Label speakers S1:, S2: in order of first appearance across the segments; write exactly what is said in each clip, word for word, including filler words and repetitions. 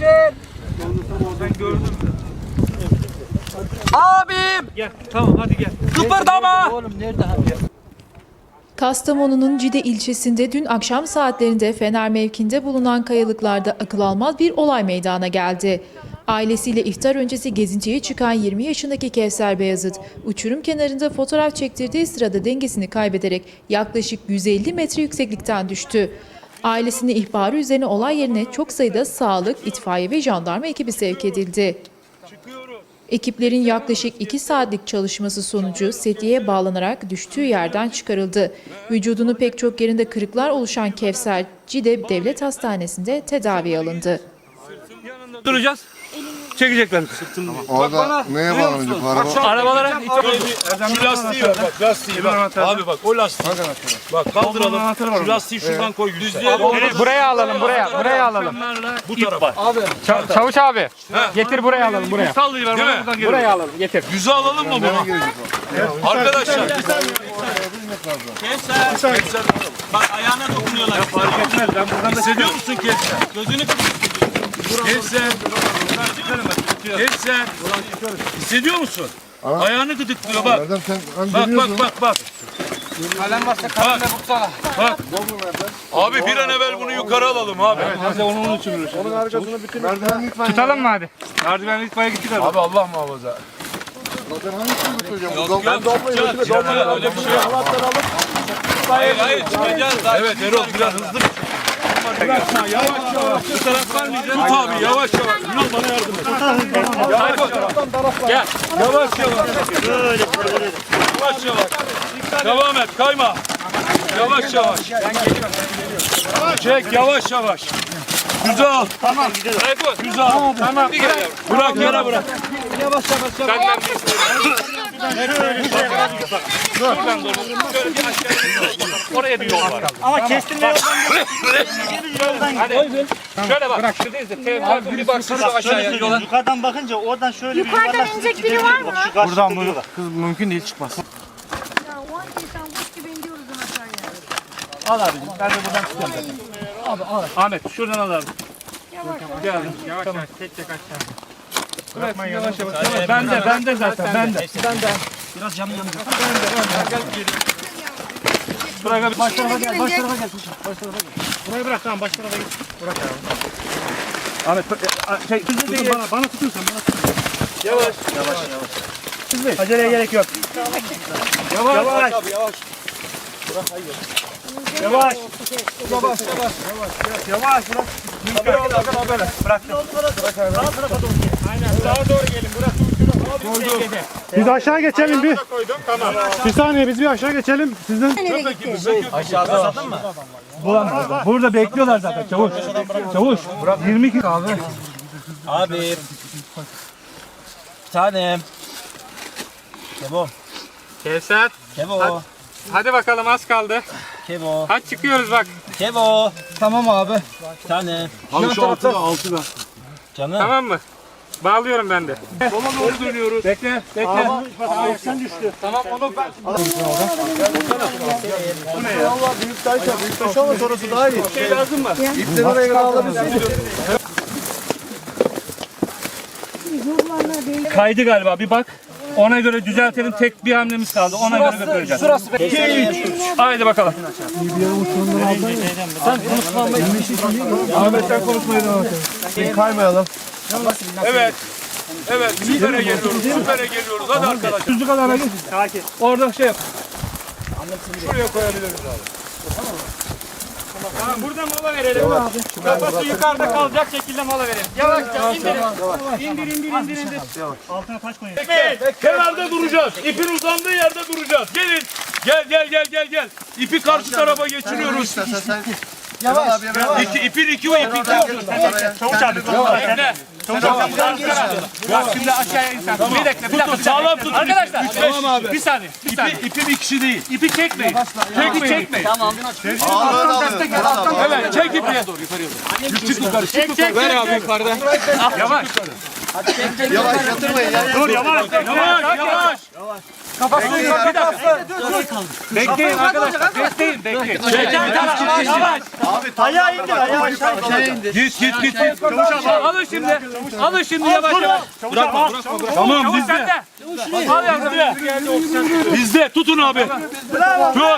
S1: Geçin.
S2: Ben gördüm.
S1: Abim.
S2: Gel tamam hadi gel.
S1: Kıpırdama.
S3: Oğlum nerede abi?
S4: Kastamonu'nun Cide ilçesinde dün akşam saatlerinde Fener mevkinde bulunan kayalıklarda akıl almaz bir olay meydana geldi. Ailesiyle iftar öncesi gezintiye çıkan yirmi yaşındaki Kevser Beyazıt, uçurum kenarında fotoğraf çektirdiği sırada dengesini kaybederek yaklaşık yüz elli metre yükseklikten düştü. Ailesinin ihbarı üzerine olay yerine çok sayıda sağlık, itfaiye ve jandarma ekibi sevk edildi. Ekiplerin yaklaşık iki saatlik çalışması sonucu sediye bağlanarak düştüğü yerden çıkarıldı. Vücudunu pek çok yerinde kırıklar oluşan Kevser, Cide Devlet Hastanesi'nde tedaviye alındı.
S2: Duracağız. Çekecekler.
S5: Orada neye bağlanacak araba?
S2: Arabalara
S6: Şu lastiği ver bak lastiği bak. Abi bak o lastiği. Bak kaldıralım. Şu lastiği şuradan koy. Düzlüğe doğru.
S1: Buraya alalım buraya. Buraya alalım.
S6: Bu tarafa.
S1: Ça- Çavuş abi. Getir buraya alalım buraya.
S2: sallayıver
S6: Değil mi?
S2: buradan geliyor.
S1: Buraya alalım getir.
S6: Yüzü alalım mı bunu? Arkadaşlar.
S7: Kevser. Bak ayağına dokunuyorlar.
S2: Fark etmez ben buradan da
S6: Hissediyor musun Kevser?
S7: Gözünü
S6: Kevser. Kevser. Hissediyor musun? Ayağını gıdıklıyor bak.
S5: Erdem sen hani
S6: Bak
S5: biliyorsun.
S6: bak bak bak.
S1: Kalem varsa kalemle vursana.
S6: Bak. Abi bir an evvel bunu yukarı alalım abi.
S2: Hadi onun için uğraşalım.
S5: Onun arkasını bütün merdiven lütfen.
S1: Tutalım mı hadi?
S2: Merdiven itfaiye gittik abi.
S6: Abi Allah muhafaza.
S5: Zaten hangisini götüreceğim?
S6: Yok,
S5: Yok,
S6: yok. Çıkacağız. Öyle bir şey yok. Hayır hayır çıkacağız. Evet Erol biraz hızlı. Bırakma yavaş yavaş. Bu taraf vermeyeceğiz. Tut abi yavaş yavaş. Ünal bana yardım et. Yavaş yavaş. Gel. Yavaş yavaş. Yavaş yavaş. Devam et kayma. Yavaş yavaş. Çek yavaş yavaş. Güzel. Tamam. Güzel. Tamam. Bırak yere bırak.
S1: Yavaş yavaş yavaş.
S6: Senden bir Şuradan doğru. Şöyle bir aşağıya. Oraya bir yol var.
S7: Ama kestirme yoldan
S2: Şöyle bak. Şuradayız da. Telefon bir baksın şu aşağıya yola.
S7: yukarıdan bakınca oradan şöyle
S8: Yukarıdan inecek biri var mı?
S7: buradan burada.
S1: Kız mümkün değil çıkmaz.
S8: Ya o an insan kuş gibi iniyoruz aşağıya.
S7: Al abicim ben de buradan tutuyorum.
S2: Ahmet şuradan al abi.
S8: Yavaş
S2: Yavaş yavaş. Tek tek aşağı. Bırak yavaş yavaş. Ben de ben de zaten ben de.
S7: Biraz camı yanacak.
S2: Bırak abi.
S7: Baş tarafa gel, baş tarafa gel. Baş tarafa gel.
S2: Burayı bırak tamam baş tarafa git. Bırak abi. Ahmet şey
S7: Dur, bana, bana tutuyorsan bana tutuyorsan.
S2: yavaş.
S7: Yavaş. Aceleye gerek yok.
S2: Yavaş.
S7: Yavaş. Yavaş.
S5: Yavaş yavaş.
S7: Yavaş bırak. Bırak. Sağ tarafa doğru gel.
S2: Aynen sağa doğru gelin. Burası
S9: Biz aşağı geçelim bir. Bir saniye biz bir aşağı geçelim. Sizden
S1: Aşağıda mı?
S2: bulamazlar. Burada bekliyorlar zaten çavuş. Çavuş. yirmi iki kaldı.
S3: Abi. Bir tanem. Kebo.
S1: Kevser.
S3: Kebo.
S1: Hadi bakalım az kaldı.
S3: Kebo.
S1: Hadi çıkıyoruz bak.
S3: Kebo.
S5: Tamam abi.
S3: Bir tane.
S6: Abi şu altıda altıda.
S3: Canım.
S1: Tamam mı? Bağlıyorum ben de.
S2: Sola doğru dönüyoruz. Bekle. Bekle.
S7: Sen düştü.
S1: Tamam onu ben...
S5: Allah büyük taşa, büyük taş ama sonrası daha iyi.
S2: Şey lazım mı?
S5: İpleri oraya kadar alabilseydik.
S2: Kaydı galiba bir bak. Ona göre düzeltelim. Tek bir hamlemiz kaldı. Ona göre götüreceğiz.
S1: Şurası
S2: iki üç. Haydi bakalım.
S1: Sen konuşmamı...
S2: Ahmet'ten konuşmayı devam edelim.
S5: Kaymayalım.
S6: Evet. Evet süpere geliyoruz. Süpere geliyoruz. Hadi arkadaşlar.
S2: Düzlük alana git. Orada şey yap.
S6: Şuraya koyabiliriz abi.
S1: Tamam burada mola verelim. Kafası yukarıda kalacak şekilde mola verelim. Yavaşça indirin. İndir indir indir indir.
S7: Altına taş koyun.
S6: Kenarda duracağız. İpin uzandığı yerde duracağız. Gelin. Gel gel gel gel gel. İpi karşı tarafa geçiriyoruz.
S5: Sen sen. Yavaş yavaş.
S6: İki, ipin iki o ipin iki.
S7: Çavuş abi.
S1: Bekle. Bak şimdi aşağıya insan. Bir dakika bir dakika.
S6: Sağlam tutun.
S1: Arkadaşlar.
S6: Tamam abi.
S1: Bir saniye. Bir
S6: İpi,
S1: saniye.
S6: ipin ikisi değil.
S1: İpi çekmeyin. İpi çekmeyin. Tamam.
S6: Evet çek ipi. Çık yukarı. Çık yukarı.
S1: Ver abi yukarıda. Yavaş.
S5: Yavaş yatırmayın ya.
S7: Dur yavaş.
S6: Yavaş yavaş.
S1: Kafasını yukarı bir dakika. Bekleyin arkadaşlar. Bekleyin bekleyin. Yavaş yavaş.
S5: Ayağı indir, ayağı aşağı indir.
S6: Git git git.
S1: Alın şimdi. Alın şimdi yavaş yavaş.
S6: Bırakma bırakma bırakma. Tamam bizde.
S1: Al yavrum.
S6: Bizde. Tutun abi. Tut.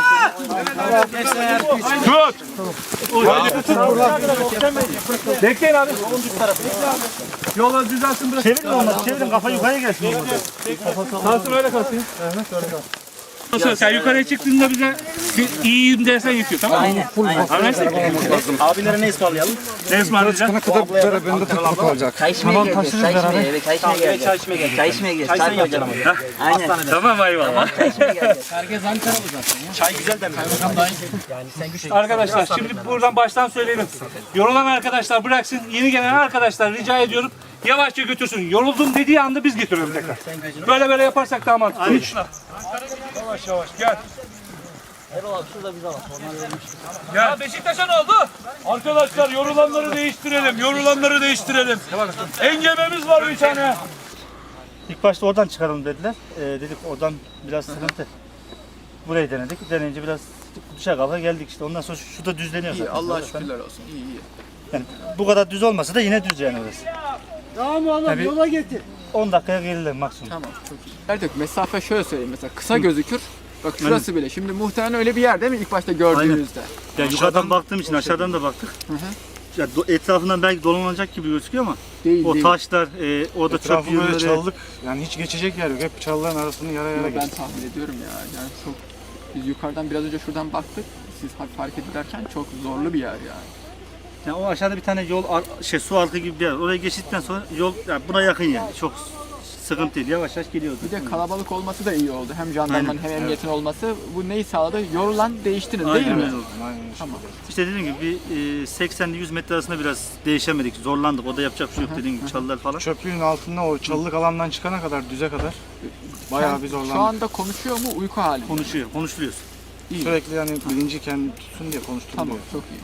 S6: Tut.
S1: Bekleyin abi.
S5: Yola düzelsin bırak. Çevirin olmaz, çevirin kafa yukarıya gelsin.
S1: Kalsın öyle kalsın. Nasıl sen yukarıya çıktığında bize bir iyiyim dersen yetiyor tamam mı? Aynen. Anlaştık.
S3: Abilere ne ısmarlayalım?
S1: Ne ısmarlayacaksın?
S7: Çay içmeye geleceğiz. Çay içmeye, evet, çay içmeye geleceğiz. Çay içmeye geleceğiz. Çay içmeye geleceğiz. Çay koyacağım. Aynen.
S1: Tamam eyvallah.
S7: Çay içmeye geleceğiz.
S3: Çay güzel de mi?
S1: Arkadaşlar şimdi buradan baştan söyleyelim. Yorulan arkadaşlar bıraksın. Yeni gelen arkadaşlar rica ediyorum. Yavaşça götürsün. Yoruldum dediği anda biz getiriyoruz tekrar. Böyle böyle yaparsak daha mantıklı.
S6: Yavaş yavaş gel.
S1: Ya Beşiktaş'a ne oldu?
S6: Arkadaşlar yorulanları değiştirelim. Yorulanları değiştirelim. Engebemiz var bir tane.
S5: İlk başta oradan çıkaralım dediler. Ee, dedik oradan biraz sıkıntı. Burayı denedik. Deneyince biraz düşe kalka geldik işte. Ondan sonra şu da düzleniyor. İyi,
S2: Allah şükürler olsun. İyi iyi.
S5: Yani bu kadar düz olmasa da yine düz yani orası.
S9: Tamam oğlum
S5: Tabii.
S9: yola getir.
S5: on dakikaya gelirler maksimum.
S2: Tamam çok iyi. Erdek mesafe şöyle söyleyeyim mesela kısa gözükür. Bak şurası bile. Şimdi muhtemelen öyle bir yer değil mi ilk başta gördüğünüzde?
S5: Yani yukarıdan baktığım için aşağıdan da baktık. Ya do- etrafından belki dolanacak gibi gözüküyor ama
S2: Değil
S5: o
S2: değil.
S5: taşlar, e, orada çöp
S9: Etrafı böyle
S5: yığınları.
S9: çalılık. Yani hiç geçecek yer yok. Hep çalıların arasını yara yara
S2: Ama ben
S9: geçti.
S2: tahmin ediyorum ya. Yani çok biz yukarıdan biraz önce şuradan baktık. Siz hafif hareket ederken çok zorlu bir yer yani.
S5: Yani o aşağıda bir tane yol, ar- şey su arka gibi bir yer. Oraya geçtikten sonra yol yani buna yakın yani. Çok sıkıntı değil. Yavaş yavaş geliyordu.
S2: Bir de kalabalık olması da iyi oldu. Hem jandarmanın hem emniyetin olması. Bu neyi sağladı? Yorulan değiştirin değil mi?
S5: öyle oldu.
S2: Tamam.
S5: İşte dediğim gibi bir e, seksen ile yüz metre arasında biraz değişemedik. Zorlandık. O da yapacak bir şey yok dediğim gibi çalılar falan.
S9: Çöplüğün altında o çalılık alandan çıkana kadar düze kadar bayağı bir
S2: Şu
S9: zorlandık.
S2: anda konuşuyor mu uyku halinde?
S5: Konuşuyor, konuşuluyoruz.
S9: Sürekli yani bilinci kendi tutsun diye konuşturuluyor.
S2: Tamam çok iyi.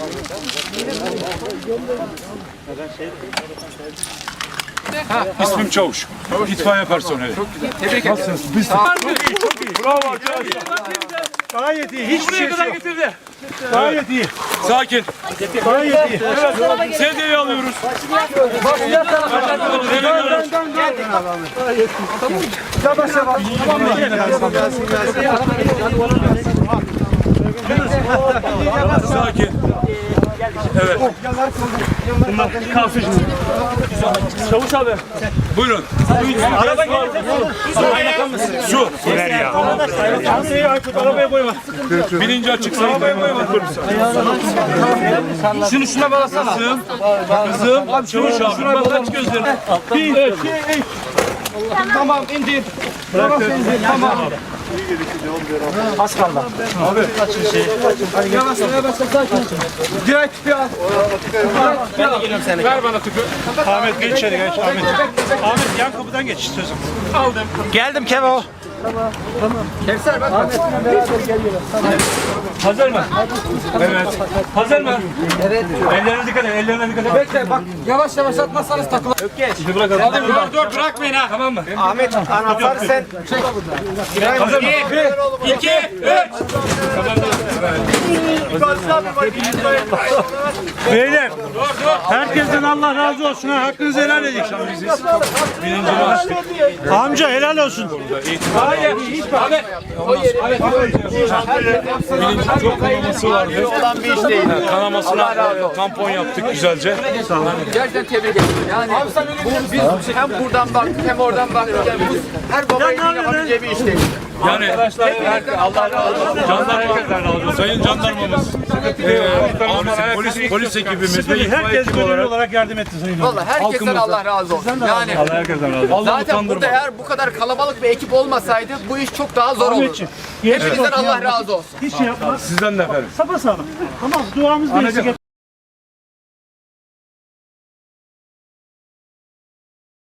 S6: İsmim Çavuş. İtfaiye personeli.
S2: Çok güzel. Tebrik ederim.
S6: Bravo arkadaşlar.
S5: Gayet iyi. Hiçbir
S1: Buraya kadar getirdi.
S5: Gayet iyi.
S6: Sakin.
S5: Gayet iyi.
S6: Evet. Sedyeyi alıyoruz. Sakin. Evet.
S1: Çavuş abi.
S6: Buyurun.
S1: Araba gelecek.
S6: Su.
S1: Ver ya. Çantayı Aykut arabaya koyma.
S6: Birinci açık sayın.
S1: Şunu şuna bağlasana.
S6: Kızım. Kızım. Çavuş abi. Bak aç gözlerini.
S1: Bir, iki, üç. Tamam indir. Tamam indir. Tamam. Az kaldı. Abi kaçın şey. Yavaş yavaş sakin. Direkt tüpü al. Ben de geliyorum seni. Ver bana tüpü.
S5: Ahmet geç içeri geç. Ahmet. Ahmet yan kapıdan geç istiyorsan.
S1: Aldım.
S3: Geldim Kevo.
S2: Kevser bak.
S1: Hazır mı? Evet. Hazır mı? Evet. Ellerine dikkat et. Ellerine dikkat et.
S2: Bekle bak yavaş yavaş atmazsanız takılır.
S1: Şimdi bırakalım. Hadi dur dur bırakmayın ha. Tamam mı?
S5: Ahmet anahtarı sen.
S1: Hazır mı? Bir, iki, üç.
S5: Beyler. Herkesten Allah razı olsun. Ha. Hakkınızı helal edin. Amca helal olsun.
S1: Hayır. Abi.
S6: Bilincin çok kanaması vardı. Ha, Kanamasına tampon yaptık güzelce.
S2: Gerçekten tebrik ederim. Yani bu, biz hem buradan baktık hem oradan baktık. Yani bu her baba için yapabileceği bir iş değil.
S6: Yani
S1: Allah razı olsun.
S6: jandarma, sayın jandarmamız, eee, polis, polis ekibimiz ve itfaiye
S5: Herkes
S6: ekibi
S5: gönüllü
S6: olarak
S5: olarak yardım etti sayın.
S2: Vallahi herkesten Allah razı olsun. Yani
S5: Herkesten razı olsun.
S2: zaten burada eğer bu kadar kalabalık bir ekip olmasaydı bu iş çok daha zor olurdu. Hepinizden Allah razı olsun.
S5: Hiç şey yapmaz.
S6: sizden de efendim.
S5: Sapasağlam. Tamam duamız bir